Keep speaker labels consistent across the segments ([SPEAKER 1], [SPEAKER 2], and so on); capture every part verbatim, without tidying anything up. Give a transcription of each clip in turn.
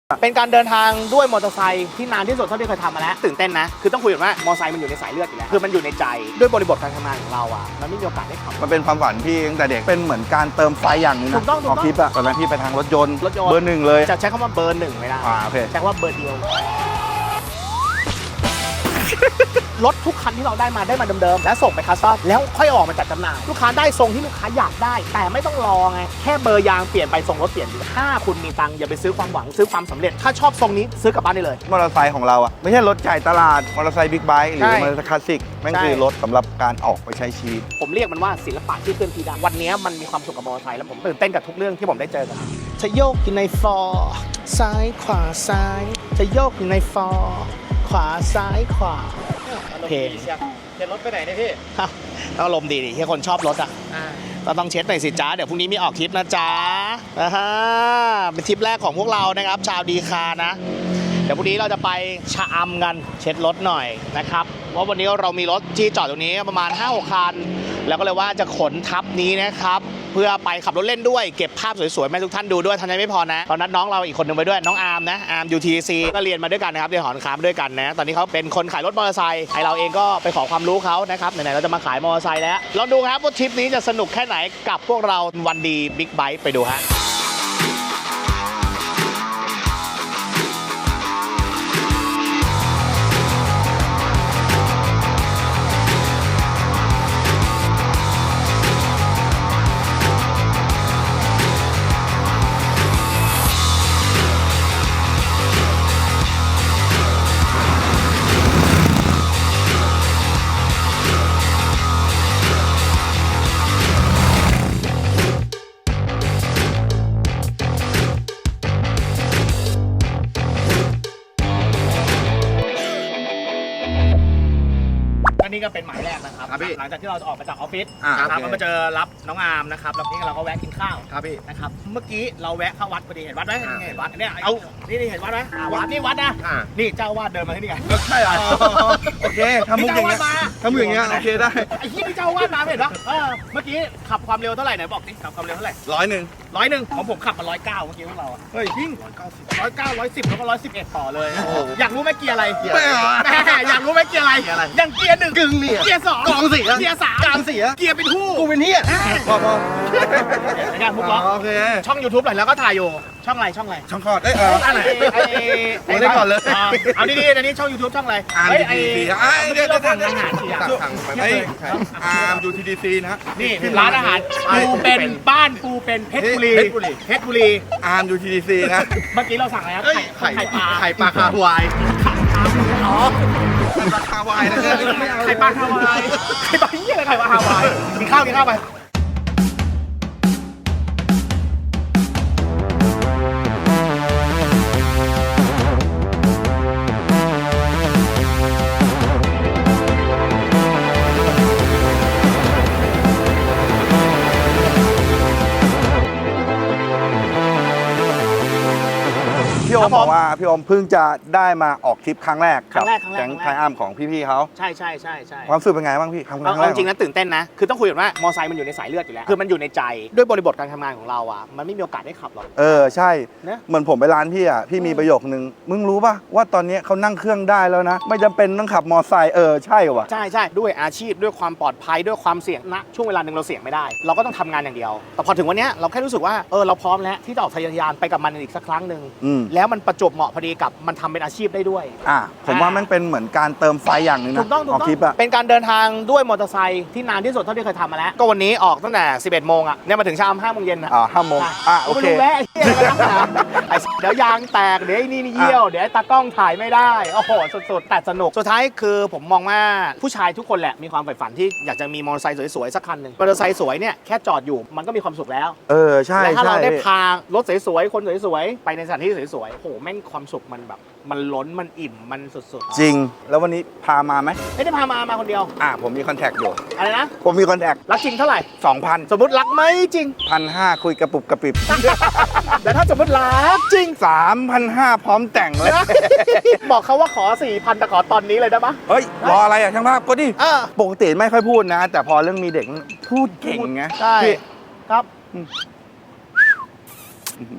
[SPEAKER 1] เป็นการเดินทางด้วยมอเตอร์ไซค์ที่นานที่สุดเท่าที่เคยทำมาแล้วตื่นเต้นนะคือต้องคุยกันว่ามอเตอร์ไซค์มันอยู่ในสายเลือดอยู่แล้วคือมันอยู่ในใจด้วยบริบทการทำงานของเราอ่ะมันไม่มีโอกาสได้ขับ
[SPEAKER 2] มันเป็นความฝันพี่ตั้งแต่เด็กเป็นเหมือนการเติมไฟอย่างนึงนะ
[SPEAKER 1] ถูกต้องถูกต้อง
[SPEAKER 2] ออกคลิปอะตอนนั้นพี่ไปทางรถยนต์
[SPEAKER 1] รถยนต์
[SPEAKER 2] เบอร์หนึ่งเลย
[SPEAKER 1] จะใช้คำว่าเบอร์หนึ่งไม่ได้
[SPEAKER 2] อ่าโอเค
[SPEAKER 1] ใช้คำว่าเบอร์เดียวรถทุกคันที่เราได้มาได้มาเดิมๆแล้วส่งไปคัสตอมแล้วค่อยออกมาจัดจำหน่ายลูกค้าได้ทรงที่ลูกค้าอยากได้แต่ไม่ต้องรอไงแค่เบอร์ยางเปลี่ยนไปทรงรถเปลี่ยนดีถ้าคุณมีตังค์อย่าไปซื้อความหวังซื้อความสำเร็จถ้าชอบทรงนี้ซื้อกลับบ้านได้เลย
[SPEAKER 2] มอเตอร์ไซค์ของเราอะไม่ใช่รถจ่ายตลาดมอเตอร์ไซค์บิ๊กไบค์หรือมอเตอร์ไซค์คลาสสิกแม่งคือรถสำหรับการออกไปใช้ชีวิต
[SPEAKER 1] ผมเรียกมันว่าศิลปะที่เคลื่อนที่ได้วันนี้มันมีความสุขกับมอเตอร์ไซค์แล้วผมตื่นเต้นกับทุกเรื่องที่ผมได้เจอกันจะโยกอยู่ในฟอร์ซ้ายขวาซ้ายจะโยกอยู่ในฟอร์ขวาซ้ายขวาเพลง
[SPEAKER 3] เช็ดรถไปไหนเนี่ยพี่
[SPEAKER 1] อารมณ์ดีดิที่คนชอบรถอ่ะเราต้องเช็ดหน่อยสิจ้าเดี๋ยวพรุ่งนี้มีออกทริปนะจ๊ะนะฮะเป็นทริปแรกของพวกเรานะครับชาวดีคานะเดี๋ยวพรุ่งนี้เราจะไปชะอำกันเช็ดรถหน่อยนะครับเพราะวันนี้เรามีรถที่จอดตรงนี้ประมาณ ห้าหก คันแล้วก็เลยว่าจะขนทับนี้นะครับเพื่อไปขับรถเล่นด้วยเก็บภาพสวยๆให้ทุกท่านดูด้วยทันใจไม่พอนะตอนนั้นน้องเราอีกคนนึงไปด้วยน้องอาร์มนะอาร์ม ยู ที ซี ก็เรียนมาด้วยกันนะครับเรียนหอค้าด้วยกันนะตอนนี้เขาเป็นคนขายรถมอเตอร์ไซค์ไอเราเองก็ไปขอความรู้เขานะครับไหนๆเราจะมาขายมอเตอร์ไซค์แล้วลองดูครับว่าทริปนี้จะสนุกแค่ไหนกับพวกเราวันดีบิ๊กไบค์ไปดูฮะนี่ก็เป็นหมายแรกนะครับหลังจากที่เราจะออกมาจากออฟฟิศนะครับเรามาเจอรับน้องอาร์มนะครับแล้วนี่เราก็แวะกินข้าวครับพี่นะครับเมื่อกี้เราแวะเข้าวัดพอดีเห็นวัดไหมเห็นวัดเนี่ยเอานี่นี่เห็นวัดไหมวัดนี่วัดนะนี่เจ้าวาดเดินมาที่นี่ไง
[SPEAKER 2] ใช่เหรอโอเคทำมุกอย่างเงี้ยทำมุกอย่างเงี้ยโอเคได้
[SPEAKER 1] ไอ้ที่นี่เจ้าวาดมาเห็นปะเมื่อกี้ขับความเร็วเท่าไหร่ไหนบอกดิขับความเร็วเท่าไหร่
[SPEAKER 2] ร้อยหนึ่ง
[SPEAKER 1] ร้อยหนึ่งของผมขับมาร้อยเก้าเมื่อกี้พวกเราเฮ้ยยิ่งร้อยเก้าสิบร้อยเก้าร้อยสิบแล้วก็ร้อยสิบเอ็ดต่อเลยอยากรู้ไหมเกียร์อะไรอยากรู้ไหมเกียร์อะไรยังเกียร์หนึ่งกึ่งนี่เกียร์สอง
[SPEAKER 2] กองเสีย
[SPEAKER 1] เกียร์สาม
[SPEAKER 2] การเสีย
[SPEAKER 1] เกียร์เป็นคู่
[SPEAKER 2] กูเป็นเฮียพอพอ
[SPEAKER 1] งานมุกล้อ
[SPEAKER 2] โอเค
[SPEAKER 1] ช่อง ยูทูบ หน่อยแล้วก็ถ่ายอยู่ช่องอะไรช่องอะไร
[SPEAKER 2] ช่องคอดเอ้ยเออ
[SPEAKER 1] อะไรไอ้
[SPEAKER 2] ไอ้ได้ก่อนเลย
[SPEAKER 1] เอาดีๆอันนี้ช่อง ยูทูบ ช่องอะไร
[SPEAKER 2] ไอ้ไอ้เดี๋ยว
[SPEAKER 1] เราสั่งอาหารสิ
[SPEAKER 2] สั่งสั่งไปอาร์ม ยู ที ดี ซี นะ
[SPEAKER 1] นี่ร้านอาหารปูเป็นบ้านปูเป็นเพชรบุรีเพชรบุรี
[SPEAKER 2] อาร์ม ยู ที ดี ซี นะ
[SPEAKER 1] เมื่อกี้เราสั่งอะไรครับไข่ไข่ปลา
[SPEAKER 2] ไข่ปลาคาวาย
[SPEAKER 1] อ๋อ
[SPEAKER 2] ไข่ปลาคาวายนะ
[SPEAKER 1] ไข่ปลาคาวายไข่ปลาเหี้ยอะไรไข่ปลาคาวายกินข้าวกินข้าวไป
[SPEAKER 2] พี่โอมบอกว่าพี่โอมเพิ่งจะได้มาออกทริปครั้งแรก
[SPEAKER 1] ครั้งแรกครั้งแรก
[SPEAKER 2] แก๊งไทอัมของพี่ๆเขา
[SPEAKER 1] ใช่ใช่ใช่ใช่
[SPEAKER 2] ความรู้สึกเป็นไงบ้างพี่ครั้งแรก
[SPEAKER 1] จริงๆนะตื่นเต้นนะคือต้องคุยกันว่ามอเตอร์ไซค์มันอยู่ในสายเลือดอยู่แล้วคือมันอยู่ในใจด้วยบริบทการทำงานของเราอ่ะมันไม่มีโอกาสได้ขับหรอก
[SPEAKER 2] เออใช่เหมือนผมไปร้านพี่อ่ะพี่มีประโยคนึงมึงรู้ป่ะว่าตอนนี้เขานั่งเครื่องได้แล้วนะไม่จำเป็นต้องขับมอเตอร์ไซค์เออใช่ว่ะ
[SPEAKER 1] ใช่ใช่ด้วยอาชีพด้วยความปลอดภัยด้วยความเสี่ยงนะช่วงเวลาหนึ่งเราเสี่ยงไม่ได้เราก็ต้องทำงานอย่างเดียวแต่พอถึงวันนี้เราแค่รู้สึกว่าเออเราพร้อมแล้วที่จะออกทะยานไปกับมันอีกสักครั้งหนึ่งแล้วมันประจวบเหมาะพอดีกับมันทำเป็นอาชีพได้ด้วย
[SPEAKER 2] อ่ะผมว่ามันเป็นเหมือนการเติมไฟอย่างนึงนะ
[SPEAKER 1] ถูกต้องถูกต้องเป็นการเดินทางด้วยมอเตอร์ไซค์ที่นานที่สุดเท่าที่เคยทำมาแล้วก็วันนี้ออกตั้งแต่สิบเอ็ดโมงอ่ะเนี่ยมาถึงเช้าห้าโมงเย็นนะ
[SPEAKER 2] อ่าห้าโมงอ่ะโอเค
[SPEAKER 1] แวะไอ้เดี๋ยวยางแตกเดี๋ยวไอ้นี่เยี่ยวเดี๋ยวตากล้องถ่ายไม่ได้โอ้โหสุดๆแต่สนุกสุดท้ายคือผมมองว่าผู้ชายทุกคนแหละมีความใฝ่ฝันที่อยากจะมีมอเตอร์ไซค์สวยๆสักคันหนึ่งมอเตอร์ไซค์สวยเนี่ยแค่จอดอยู่มันก็มีความสุขแล้ว
[SPEAKER 2] เออใช่
[SPEAKER 1] แล้วถ้าเราได้พารถสวยๆคนสวยๆไปในสถานที่สวยๆโอ้โหแม่งความสุขมันแบบมันล้นมันอิ่มมันสุด
[SPEAKER 2] ๆจริงแล้ววันนี้พามาไหม
[SPEAKER 1] ไม่ได้พามามาคนเดียว
[SPEAKER 2] อ่าผมมีคอนแทคอยู่
[SPEAKER 1] อะไรนะ
[SPEAKER 2] ผมมีคอนแทค
[SPEAKER 1] รักจริงเท่าไหร่
[SPEAKER 2] สองพัน
[SPEAKER 1] สมมติรักไหมจริง
[SPEAKER 2] พันห้าคุยกระปุบกระปิบ
[SPEAKER 1] แต่ถ้าสมมติรักจริง
[SPEAKER 2] สามพันห้าพร้อมแต่งเลย
[SPEAKER 1] บอกเขาว่าขอ สี่พัน แต่ขอตอนนี้เลยได้ปะ
[SPEAKER 2] เฮ้ยรออะไรอ่ะช่างภาพก็ดิปกติไม่ค่อยพูดนะแต่พอเรื่องมีเด็กพูดเก่งไง
[SPEAKER 1] ใช่ครับ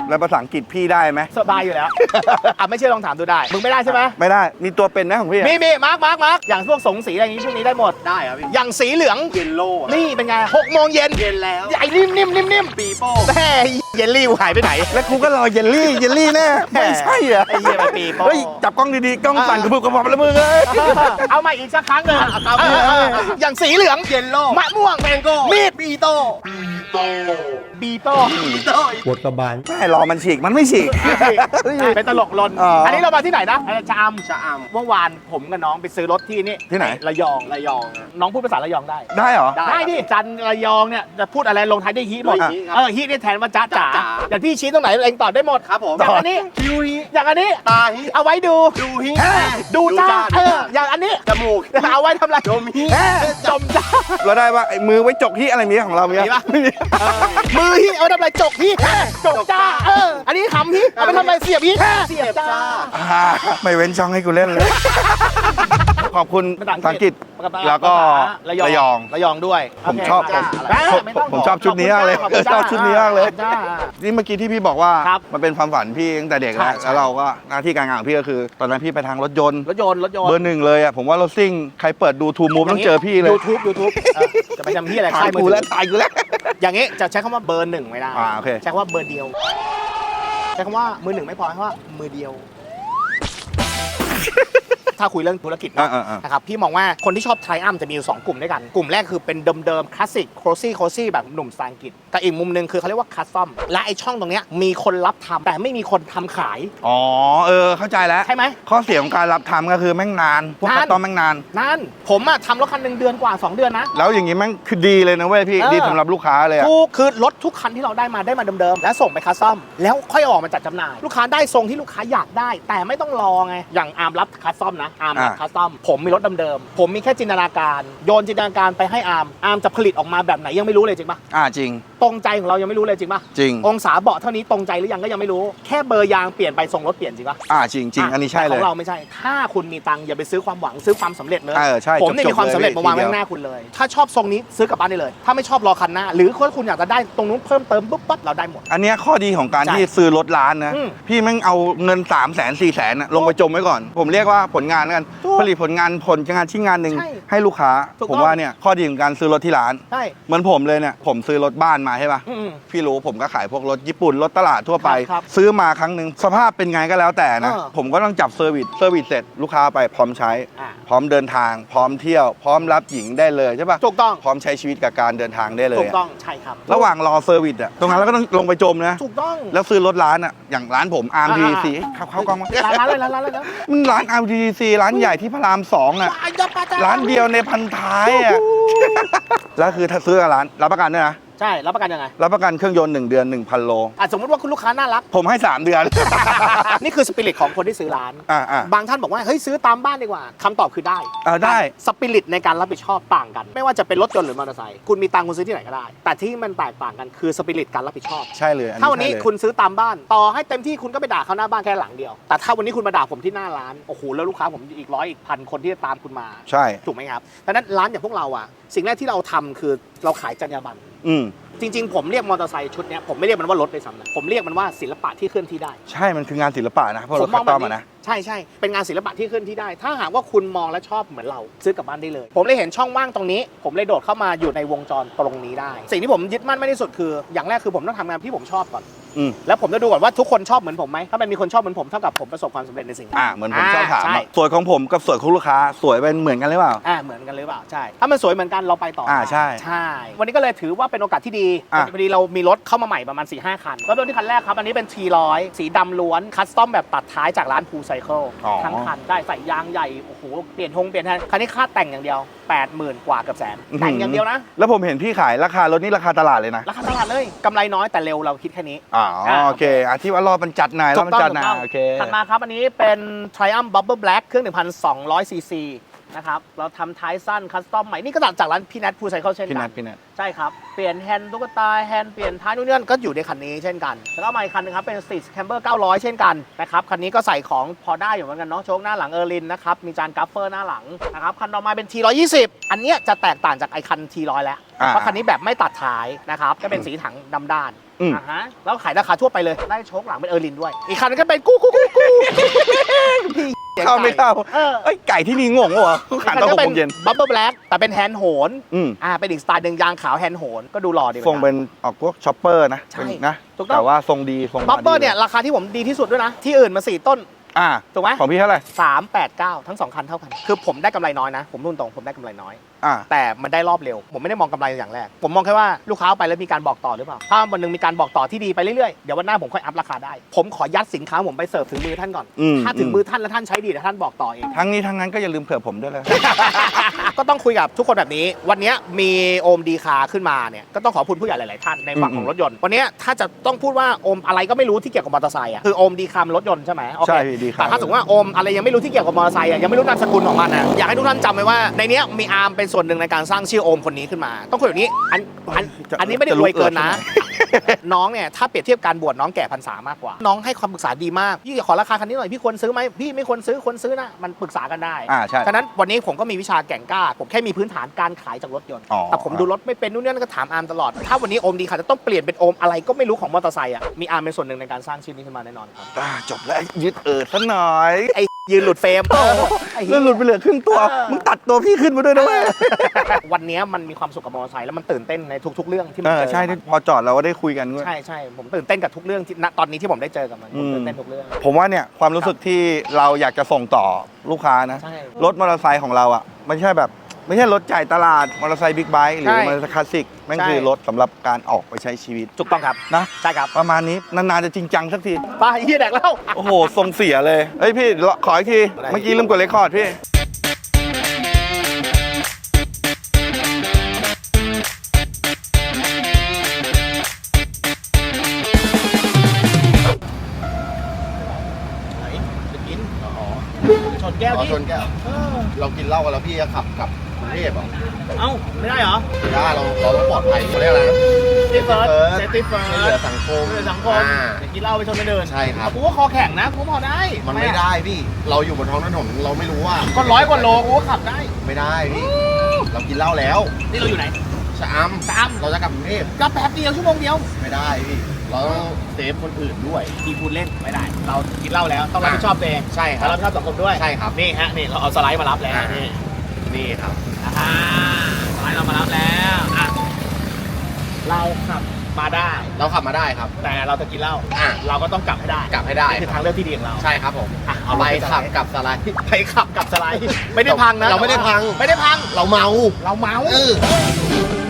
[SPEAKER 2] แล้วภาษาอังกฤษพี่ได้ไหม
[SPEAKER 1] สบายอยู่แล้ว อ่ะไม่เชื่อลองถามดูได้มึงไม่ได้ใช่ไหม
[SPEAKER 2] ไม่ได้มีตัวเป็นนะของพี่อะ
[SPEAKER 1] มีมีมาร์กมาร์กมาร์กอย่างพวกสงสีอะไรอย่างนี้ช่วงนี้ได้หมด
[SPEAKER 3] ได้ครับพี่
[SPEAKER 1] อย่างสีเหลือง
[SPEAKER 3] เยลโล่
[SPEAKER 1] นี่เป็นไงหกโมงเย็น
[SPEAKER 3] เย็นแล้ว
[SPEAKER 1] ไอ้นิ่มนิ่มนิ่มนิ่ม
[SPEAKER 3] ปีโป้
[SPEAKER 1] แม่เยลลี่หายไปไหน
[SPEAKER 2] แล้วกูก็รอเยลลี่เยลลี่แน่ไม่ใช่เหรอ
[SPEAKER 1] ไอ้เหี้ยไปปีโป้
[SPEAKER 2] เฮ้ยจับกล้องดีๆกล้องสั่นกระพุกกระพอบแล้วมึงเลย
[SPEAKER 1] เอาใหม่อีกสักครั้งหนึ่ง
[SPEAKER 3] ครับ
[SPEAKER 1] เออเออเอออย่างสีเหลือง
[SPEAKER 3] เยลโล่
[SPEAKER 1] มะม่วง
[SPEAKER 3] แมงโก้
[SPEAKER 1] มีด
[SPEAKER 3] ปีโต้
[SPEAKER 1] บีโต้
[SPEAKER 3] ปีโต้
[SPEAKER 4] ปวดกระบาล
[SPEAKER 2] ไม่รอมันฉีกมันไม่ฉีก
[SPEAKER 1] เป็นตลกลน
[SPEAKER 2] อ๋ออั
[SPEAKER 1] อันนี้เรามาที่ไหนนะชะอำ
[SPEAKER 3] ชะอ
[SPEAKER 1] เมื่อวานผมกับน้องไปซื้อรถที่นี่
[SPEAKER 2] ที่ไหน
[SPEAKER 1] ระยอง
[SPEAKER 3] ำระยอง
[SPEAKER 1] น้องพูดภาษาระยองได้
[SPEAKER 2] ได้เหรอ
[SPEAKER 3] ได้
[SPEAKER 1] ได้ดิจันทร์ระยองเนี่ยจะพูดอะไรลงท้ายด้วยฮิหมด
[SPEAKER 3] ด้วยฮิครับ
[SPEAKER 1] เออฮินี่แทนว่าจ๊ะจ๋า
[SPEAKER 3] จ๊ะจ๋า
[SPEAKER 1] อย่างพี่ชี้ตรงไหนเองตอบได้หมด
[SPEAKER 3] ครับผม
[SPEAKER 1] อย่างอันนี้
[SPEAKER 3] คิวฮี
[SPEAKER 1] อย่างอันนี้
[SPEAKER 3] ตาฮี
[SPEAKER 1] เอาไว้ดู
[SPEAKER 3] ดูฮี
[SPEAKER 1] ดูจ้า
[SPEAKER 3] จ้า
[SPEAKER 1] เอออย่างอันนี้
[SPEAKER 3] จมูก
[SPEAKER 1] เอาไว้ทำอะไร
[SPEAKER 3] ดมฮี
[SPEAKER 1] เออจมจ้า
[SPEAKER 2] เราได้ว่าไอ้มือไว้จกที่อะไรมีของเรามี
[SPEAKER 1] มีปะมือฮิเอาไว้ทำอะไรจกฮิจกจ้าเอออันนี้ขำฮิเอาไปทำอะไรเสียบฮิเสียบจ้า
[SPEAKER 2] อ่าไม่เว้นช่องให้กูเล่นเลย ขอบคุณ
[SPEAKER 1] ภาษาอังกฤษ
[SPEAKER 2] ภาษาอังกฤษ แล้วก็
[SPEAKER 1] ระยอง
[SPEAKER 2] ระยอง
[SPEAKER 1] ระยองด้วย
[SPEAKER 2] ผมชอบ
[SPEAKER 1] โเคจ้า
[SPEAKER 2] ผม
[SPEAKER 1] ไม่ต้อง
[SPEAKER 2] ผมชอบชุดนี้มากเลย
[SPEAKER 1] ขอบคุณ
[SPEAKER 2] ชอบชุดนี้มากเลย
[SPEAKER 1] จ้า
[SPEAKER 2] นี่เมื่อกี้ที่พี่บอกว่า
[SPEAKER 1] ครับ
[SPEAKER 2] มันเป็นความฝันพี่ตั้งแต่เด็กแล้ว
[SPEAKER 1] ใช่ใช่
[SPEAKER 2] แล้วเราก็หน้าที่การงานของพี่ก็คือ ตอนนั้นพี่ไปทางรถยนต์
[SPEAKER 1] รถยนต์รถยนต์
[SPEAKER 2] เบอร์หนึ่งเลยอ่ะผมว่ารถซิ่งใครเปิดดูทูมูฟต้องเจอพี่เลย
[SPEAKER 1] ยูทูบยูทูบจะไปทำที่อะไร
[SPEAKER 2] ถ่า
[SPEAKER 1] ค่าย ยมือ
[SPEAKER 2] กู
[SPEAKER 1] ถื
[SPEAKER 2] แล้ว
[SPEAKER 1] อ
[SPEAKER 2] ถ่ายกูแล้ว
[SPEAKER 1] อย่างงี้จะใช้คำว่าเบอร์หนึ่งไม่ได้
[SPEAKER 2] อ่าโอเค
[SPEAKER 1] ใช้คำว่าเบอร์เดียว ใช้คำว่ามือหนึ่งไม่พอใช้คำว่ามือเดียว ถ้าคุยเรื่องธุรกิจเนอะ
[SPEAKER 2] อ่าอ่า
[SPEAKER 1] นะครับพี่มองว่าคนที่ชอบไทรอัมจะมีอยู่สองกลุ่มด้วยกัน กลุ่มแรกคือเป็นเดิมๆคลาสสิกโคซี่โคซี่แบบหนุ่มภาษาอังกฤษแต่อีกมุมหนึงคือเขาเรียกว่าคัสตอมและไอช่องตรงเนี้ยมีคนรับทำแต่ไม่มีคนทำขาย
[SPEAKER 2] อ๋อเออเข้าใจแล้ว
[SPEAKER 1] ใช่ไหม
[SPEAKER 2] ข้อเสียของการรับทำก็คือแม่งนานพวก
[SPEAKER 1] นาน
[SPEAKER 2] คัสตอมแม่งนาน
[SPEAKER 1] นั่นผมอะทำรถคันหนึ่งเดือนกว่าสองเดือนนะ
[SPEAKER 2] แล้วอย่างงี้แม่งคือดีเลยนะเว้ยพี่
[SPEAKER 1] เออ
[SPEAKER 2] ดีสำหรับลูกค้าเลยอะ
[SPEAKER 1] ถูกคือรถทุกคันที่เราได้มาได้มาเดิมๆแล้วส่งไปคัสตอมแล้วค่อยเอาออกมาจัดจำหน่าย ลูกค้าได้ทรงที่ลูกค้าอยากได้ แต่ไม่ต้องรอไงอย่างอาร์มรับคัสตอมนะอาร์มรับคัสตอมผมมีรถเดิมๆผมมีแค่จินตนาการโยนจินตนาการไปให้อาร์มอาร์มจะผลิตออกมาแบบไหนยังไม่รู้เลยจริงปะ
[SPEAKER 2] อ่าจริง
[SPEAKER 1] ตรงใจของเรายังไม่รู้เลยจริงปะ
[SPEAKER 2] จริง
[SPEAKER 1] องศาเบาะเท่านี้ตรงใจหรือยังก็ยังไม่รู้แค่เบอร์ยางเปลี่ยนไปทรงรถเปลี่ยนจริงปะ
[SPEAKER 2] อ่าจริงจริงอันนี้ใช่
[SPEAKER 1] แต่
[SPEAKER 2] เล
[SPEAKER 1] ขอย งเราไม่ใช่ ถ้าคุณมีตังค์อย่าไปซื้อความหวังซื้อความสำเร็จเลย
[SPEAKER 2] เออใช่
[SPEAKER 1] ผมเนี่ย
[SPEAKER 2] จบๆ
[SPEAKER 1] มีความสำเร็จ
[SPEAKER 2] เลย
[SPEAKER 1] มาวางไว้
[SPEAKER 2] ทีเดียว
[SPEAKER 1] ข้างหน้าคุณเลย ถ้าชอบทรงนี้ซื้อกลับบ้านได้เลย ถ้าไม่ชอบรอคันหน้า หรือถ้าคุณอยากจะได้ตรงนู้นเพิ่มเติมปุ๊บปั๊บเราได้หมด
[SPEAKER 2] อันเนี้ยข้อดีของการ
[SPEAKER 1] ใช่
[SPEAKER 2] ที่ซื้อรถร้านนะ
[SPEAKER 1] อืม
[SPEAKER 2] พี่แม่งเอาเงิน3ามแสนสี่แสนลงไปจมไว้ก่อน ผมเรียกว่าผลงานแล้วกัน
[SPEAKER 1] ถูก
[SPEAKER 2] ผลิตผลงานผลงานชิ้นงานหนึ่ง
[SPEAKER 1] ใช่
[SPEAKER 2] ให้ลูกค้า
[SPEAKER 1] ถูก
[SPEAKER 2] ผม
[SPEAKER 1] ต้อง
[SPEAKER 2] ว่าเนี่ยข้อดีของการซื้อรถที่ร้าน
[SPEAKER 1] ใช่
[SPEAKER 2] เหมือนผมเลยเนี่ยผมซื้อรถบ้านมาใช่ป่ะ
[SPEAKER 1] อืม
[SPEAKER 2] พี่รู้ผมก็ขายพวกรถญี่ปุ่นรถตลาดทั่วไป
[SPEAKER 1] ครับ
[SPEAKER 2] ซื้อมาครั้งหนึ่งสภาพเป็นไงก็แล้วแต่นะ
[SPEAKER 1] เออ
[SPEAKER 2] ผมก็ต้องจับเซอร์วิสเซอร์วิสเสร็จลูกค้าไปพร้อมใช้
[SPEAKER 1] อ่า
[SPEAKER 2] พร้อมเดินทาง พร้อมเที่ยว พร้อมรับหญิงได้เลยใช่ป่ะ
[SPEAKER 1] ถูกต้อง
[SPEAKER 2] พร้อมใช้ชีวิตกับการเดินทางได้เลย
[SPEAKER 1] ถูก
[SPEAKER 2] อะ
[SPEAKER 1] ต้องใช่ครับ
[SPEAKER 2] ระหว่างรอเซอร์วิสอะตรงนั้นเราก็ต้องลงไปจมนะ
[SPEAKER 1] ถูกต้อง
[SPEAKER 2] แล้วซื้อรถร้านอะอย่างร้านผมอาร์ม
[SPEAKER 1] อ่า
[SPEAKER 2] ทีซีเข้าเข้ากล้องมา
[SPEAKER 1] ร้านร้านเลยร้านร้านเลยนะ
[SPEAKER 2] มันร้านอาร์มทีซีร้านใหญ่ที่พระรามสองอะ
[SPEAKER 1] ว้ายอย่าปะจ๊ะ
[SPEAKER 2] ร้านเดียวในพันท้ายอะแล้วคือถ้าซื้อกับร้านรับประกันด้วยนะ
[SPEAKER 1] ใช่รับประกันยังไง
[SPEAKER 2] รับประกันเครื่องยนต์หนึ่งเดือน หนึ่งพัน โล
[SPEAKER 1] อ่ะสมมติว่าคุณลูกค้าน่ารัก
[SPEAKER 2] ผมให้ สาม เดือน
[SPEAKER 1] นี่คือสปิริตของคนที่ซื้อร้าน
[SPEAKER 2] อ่าอ่า
[SPEAKER 1] บางท่านบอกว่าเฮ้ยซื้อตามบ้านดีกว่าคำตอบคือได้
[SPEAKER 2] เออได้
[SPEAKER 1] สปิริตในการรับผิดชอบต่างกัน ไม่ว่าจะเป็นรถยนต์หรือมอเตอร์ไซค์คุณมีตังค์คุณซื้อที่ไหนก็ได้ แต่ที่มันแตกต่างกันคือสปิริตการรับผิดชอบ
[SPEAKER 2] ใช่เลยอั
[SPEAKER 1] ถ้าวันนี้
[SPEAKER 2] ใช่เลย
[SPEAKER 1] คุณซื้อตามบ้าน ต่อให้เต็มที่คุณก็ไปด่าเขาหน้าบ้านแค่หลังเดียว แต่ถ้าวันนี้คุณมาด่าผมที่หน้าร้านโอ้โหแล้วลูกค้าผมอีกร้อยอีกพันคนที่จะตามคุณมา
[SPEAKER 2] ใช่
[SPEAKER 1] ถูกไหมครับดังนั้นร้านอย่างพวกเราอ่ะสิ่งแรกที่เราทำคือเราขายจรรยาบรรณ
[SPEAKER 2] อืม
[SPEAKER 1] จริงๆ ผมเรียกมอเตอร์ไซค์ชุดเนี้ยผมไม่เรียกมันว่ารถเลยซ้ำนะผมเรียกมันว่าศิลปะที่เคลื่อนที่ได้
[SPEAKER 2] ใช่มันคืองานศิลปะนะเพราะ
[SPEAKER 1] ผ
[SPEAKER 2] รถ
[SPEAKER 1] มม
[SPEAKER 2] คั
[SPEAKER 1] อง
[SPEAKER 2] ส
[SPEAKER 1] แบ
[SPEAKER 2] ตอบ ม
[SPEAKER 1] นี้
[SPEAKER 2] อะนะ
[SPEAKER 1] ใช่ใช่เป็นงานศิลปะที่เคลื่อนที่ได้ ถ้าหากว่าคุณมองและชอบเหมือนเราซื้อกลับบ้านได้เลย ผมเลยเห็นช่องว่างตรงนี้ ผมเลยโดดเข้ามาอยู่ในวงจรตรงนี้ได้ สิ่งที่ผมยึดมั่นไม่ที่สุดคือ อย่างแรกคือผมต้องทำงานที่ผมชอบก่อน
[SPEAKER 2] อืม
[SPEAKER 1] แล้วผมจะดูก่อนว่าทุกคนชอบเหมือนผมไหมถ้ามันมีคนชอบเหมือนผมเท่ากับผมประสบความสำเร็จในสิ่งนั้น
[SPEAKER 2] อ่าเหมือนผมชอบถาม
[SPEAKER 1] ใช่
[SPEAKER 2] อะสวยของผมกับสวยของลูกค้าสวยเป็นเหมือนกันหรือเปล่า
[SPEAKER 1] อ่าเหมือนกันหรือเปล่าใช่ถ้ามันสวยเหมือนกันเราไปต่อ
[SPEAKER 2] อ่าใช่
[SPEAKER 1] ใช่ วันนี้ก็เลยถือว่าเป็นโอกาสที่ดี
[SPEAKER 2] อ่ะ
[SPEAKER 1] พอดีเรามีรถเข้ามาใหม่ประมาณ สี่ห้า คันก็เริ่มที่คันแรกครับอันนี้เป็น ที หนึ่งร้อย สีดำล้วนคัสตอมแบบตัดท้ายจากร้านพูไซเคิล
[SPEAKER 2] อ๋อ
[SPEAKER 1] ทั้งคันได้ใส่ยางใหญ่โอ้โหเปลี่ยนทงเปลี่ยนแทนคันนี้ค่าแต่งอย่างเดียว แปดหมื่น กว่าเกือบแสนแต่งอย่างเดียวนะ
[SPEAKER 2] แล้วผมเห็นพี่ขายราคารถนี่ราคาตลาดเลยนะ
[SPEAKER 1] ราคาตลาดเลยกำไรน้อยแต่เร็วเราคิดแค่นี้
[SPEAKER 2] อ๋อ
[SPEAKER 1] อ่า
[SPEAKER 2] โอเคอาที่ว่ารอบมันจัดหน่อยรอบมันจัดหน่อยโอเค
[SPEAKER 1] ถัดมาครับอันนี้เป็น Triumph Bubble Black เครื่อง หนึ่งพันสองร้อย ซี ซี นะครับเราทำท้ายสั้นคัสตอมใหม่นี่ก็จากร้านพี่แนทพูไซเคิลเช่น
[SPEAKER 2] พี่
[SPEAKER 1] กั
[SPEAKER 2] นั
[SPEAKER 1] น
[SPEAKER 2] ทพี่นัท
[SPEAKER 1] ใช่ครับ เปลี่ยนแฮนด์ตุ๊กตาแฮนด์เปลี่ยนท้ายนู่นนี่นั่นก็อยู่ในคันนี้เช่นกัน แล้วก็มาอีกคันนึงครับเป็น Street Camber เก้าร้อย เช่นกันนะครับคันนี้ก็ใส่ของพอได้อยู่เหมือนกันเนาะโชคหน้าหลังเออร์ลินนะครับมีจานกัฟเฟอร์หน้าหลังนะครับคันต่อมาเป็น ที หนึ่งร้อยยี่สิบ อันเนี้ยจะแตกต่างจากไอคัน ที หนึ่งร้อย แล้ว
[SPEAKER 2] อ่า
[SPEAKER 1] เพราะคันนี้แบบไม่ตัดท้ายนะครับก็เป็นสีถังดำด้าน
[SPEAKER 2] อืม
[SPEAKER 1] อ่าฮะแล้วขายราคาทั่วไปเลยได้โชคหลังเป็นเออร์ลินด้วยอีกคันนึงก็เป็นกู้กู้กู้กู้พี่
[SPEAKER 2] เข้าไม่เข้า
[SPEAKER 1] เออ
[SPEAKER 2] เอ้ยไก่ที่นี่งงวะเขาขายตอนหกโมงเย็น
[SPEAKER 1] บับเบิ้ลแบล็กแต่เป็นแฮนด์โหน
[SPEAKER 2] อืม
[SPEAKER 1] อ่าเป็นอีกสไตล์หนึ่งยางขาวแฮนด์โหนก็ดูหล่อดี
[SPEAKER 2] ทรงเป็นออกพวกช็อปเปอร์นะ
[SPEAKER 1] ใช่
[SPEAKER 2] เป็นนะ
[SPEAKER 1] ถูกต้อง
[SPEAKER 2] แต่ว่าทรงดีทรง
[SPEAKER 1] บับเบิ้ล
[SPEAKER 2] ดี
[SPEAKER 1] เนี่ยราคาที่ผมดีที่สุดด้วยนะที่อื่นมาสี่ต้น
[SPEAKER 2] อ่า
[SPEAKER 1] ถูกไหม
[SPEAKER 2] ของพี่เท่าไหร่
[SPEAKER 1] สามแปดเก้าทั้งสองคันเท่ากันคือผมได้กำไรน้อยนะผมนุ่นตรงผมได้กำไรน้อย
[SPEAKER 2] อ่า
[SPEAKER 1] แต่มันได้รอบเร็ว ผมไม่ได้มองกำไรอย่างแรก ผมมองแค่ว่าลูกค้าเอาไปแล้วมีการบอกต่อหรือเปล่า ถ้าวันหนึงมีการบอกต่อที่ดีไปเรื่อยๆ เดี๋ยววันหน้าผมค่อยอัพราคาได้ ผมขอยัดสินค้าผมไปเสิร์ฟถึงมือท่านก่อน
[SPEAKER 2] อืม
[SPEAKER 1] ถ้าถึงมือท่านแล้วท่านใช้ดีเดี๋ยวท่านบอกต่อเอง
[SPEAKER 2] ทั้งนี้ทั้งนั้นก็อย่าลืมเผื่อผมด้วยเลย
[SPEAKER 1] ก็ต้องคุยกับทุกคนแบบนี้ วันนี้มีโอมดีคาขึ้นมาเนี่ย ก็ต้องขอบคุณผู้ใหญ่หลายๆท่านในฝั่งของรถยนต์ วันนี้ถ้าจะต้องพูดว่าโอมอะไรก็ไม่รู้ที่เกี่ยวกับมอเตอร์ไซค์อ่ะ คือโอมดีคามรถยนต์ใช่ไหมโอเค
[SPEAKER 2] ใช่พี่ดีคา
[SPEAKER 1] แต่ถ้าสมมติว่าโอมอะไรยังไม่รู้ที่เกี่ยวกับมอเตอร์ไซค์อ่ะยังไม่รู้นามสกุลของมันอ่ะอยากให้ทุกท่านจำไว้ว่าในเนี้ยมีอาร์มเป็นส่วนหนึ่งในการสร้างชื่อโอมคนนี้ขึ้นมา ต้องคุยแบบนี้อันอันอันนี้ไม่ได้รวยเกินนะ น้องเนี่ยถ้าเปรียบเทียบการบวชน้องแก่พรรษามากกว่า น้องให้ความปรึกษาดีมากพี่ขอราคาคันนี้หน่อยพี่ควรซื้อไหมพี่ไม่ควรซื้อควรซื้อนะมันปรึกษากันได้
[SPEAKER 2] อ่าใช่
[SPEAKER 1] ฉะนั้นวันนี้ผมก็มีวิชาแก่งกล้าผมแค่มีพื้นฐานการขายจากรถยนต์
[SPEAKER 2] อ๋อ
[SPEAKER 1] แต่ผมดูรถไม่เป็นนู่นนี่นั่นก็ถามอาร์มตลอด ถ้าวันนี้โอมดีค่ะจะต้องเปลี่ยนเป็นโอมอะไรก็ไม่รู้ของมอเตอร์ไซค์อ่ะมีอาร์มเป็นส่วนหนึ่งในการสร้างชื่อนี้ขึ้นมาแน่นอนครับ
[SPEAKER 2] อ่าจบแล้วยึดเอิดซะหน่อย
[SPEAKER 1] ไอ้ยืนหลุดเฟรมไอ้เหี้
[SPEAKER 2] เลื่
[SPEAKER 1] ย
[SPEAKER 2] อนหลุดไปเหลือครึ่งตัว
[SPEAKER 1] เออ
[SPEAKER 2] มึงตัดตัวพี่ขึ้นมาด้วยนะเว้ย
[SPEAKER 1] วันนี้มันมีความสุขกับมอเตอร์ไซค์แล้วมันตื่นเต้นในทุก ๆ เรื่องที่มั
[SPEAKER 2] เอน อ
[SPEAKER 1] เจอ
[SPEAKER 2] ใช่ที่พอจอดเราก็ได้คุยกันด้วย
[SPEAKER 1] ใช่ใช่ผมตื่นเต้นกับทุกเรื่องที่ณตอนนี้ที่ผมได้เจอกับมันผม
[SPEAKER 2] อืม
[SPEAKER 1] ตื่นเต้นทุกเรื่อง
[SPEAKER 2] ผมว่าเนี่ยความรู้สึกที่เราอยากจะส่งต่อลูกค้านะ
[SPEAKER 1] ใช่
[SPEAKER 2] รถมอเตอร์ไซค์ของเราอ่ะไม่ใช่แบบไม่ใช่รถจ่ายตลาดมอเตอร์ไซค์บิ๊กไบค์หรือ
[SPEAKER 1] ใช่
[SPEAKER 2] มอเตอร์ไซค์คลาสสิกแม่ง
[SPEAKER 1] ใช่
[SPEAKER 2] คือรถสำหรับการออกไปใช้ชีวิต
[SPEAKER 1] ถูกต้องครับ
[SPEAKER 2] นะ
[SPEAKER 1] ใช่ครับ
[SPEAKER 2] ประมาณนี้นานๆจะจริงจังสักที
[SPEAKER 1] ป้าเฮียแดกแล้ว
[SPEAKER 2] โอ้โหทรงเสียเลยเฮ้ยพี่ขออีกที
[SPEAKER 1] อะไร
[SPEAKER 2] เมื่อกี้ลืมกดเรคคอร์ดพี่
[SPEAKER 1] จะกินชนแก้ว
[SPEAKER 3] อ๋อ
[SPEAKER 1] พี่
[SPEAKER 3] ชนแก้ว
[SPEAKER 1] เออ
[SPEAKER 3] เรากินเหล้ากันแล้วพี่จะขับกลับกรุงเทพเหรอ
[SPEAKER 1] เอ้าไม่ได้เหรอ
[SPEAKER 3] ไม่ได้เราเราต้องปลอดภัยเขาเรียกอะไรนะ
[SPEAKER 1] เซฟเฟิร์สเซฟตี้เฟิร์ส
[SPEAKER 3] ช่วยเหลือสังคม
[SPEAKER 1] ช่วยเหลือสังคม
[SPEAKER 3] อ่า
[SPEAKER 1] อย่ากินเหล้าไปชนกันเดิน
[SPEAKER 3] ใช่ครับ
[SPEAKER 1] กูก็คอแข็งนะกูก็พอได้
[SPEAKER 3] มันไม่ได้พี่ เราอยู่บนท้องถนนเราไม่รู้ว่า
[SPEAKER 1] ก็ร้อยกว่าโลกูก็ขับได้
[SPEAKER 3] ไม่ได้พี่ เรากินเหล้าแล้ว
[SPEAKER 1] นี่เราอยู่ไหน
[SPEAKER 3] ชะอำ
[SPEAKER 1] ชะอำ
[SPEAKER 3] เราจะกลับกรุงเทพ
[SPEAKER 1] ก็แป๊บเดียวชั่วโมงเดียว
[SPEAKER 3] ไม่ได้พี่ เราต้องเซฟคนอื่นด้วย
[SPEAKER 1] พี่พูดเล่นไม่ได้ เรากินเหล้าแล้วต้องรับผิดชอบตัวเอง
[SPEAKER 3] ใช่ค
[SPEAKER 1] แล้
[SPEAKER 3] รั
[SPEAKER 1] ว
[SPEAKER 3] บ
[SPEAKER 1] รับผิดชอบสังคมด้วย
[SPEAKER 3] ใช่ครับ
[SPEAKER 1] นี่ฮะนี่เราเอาสไลด์มารับแล้ว
[SPEAKER 3] อ่า
[SPEAKER 1] นี่
[SPEAKER 3] นี่ครับ
[SPEAKER 1] อ่าสไลด์เรามารับแล้วอ่ะเราขับมาได้
[SPEAKER 3] เราขับมาได้ครับ
[SPEAKER 1] แต่เราจะกินเหล้า
[SPEAKER 3] อ่ะ
[SPEAKER 1] เราก็ต้องกลับให้ได้
[SPEAKER 3] กลับให้ได้
[SPEAKER 1] นี่คือทางเลือกที่ดีของเรา
[SPEAKER 3] ใช่ครับผม
[SPEAKER 1] อ่ะเอา
[SPEAKER 3] ไป
[SPEAKER 1] ไป
[SPEAKER 3] ขับกับสไลด์
[SPEAKER 1] ไปขับกับสไลด์ไม่ได้พังนะ
[SPEAKER 3] เราไม่ได้พัง
[SPEAKER 1] ไม่ได้พัง
[SPEAKER 3] เราเมา
[SPEAKER 1] เราเมา
[SPEAKER 3] เออ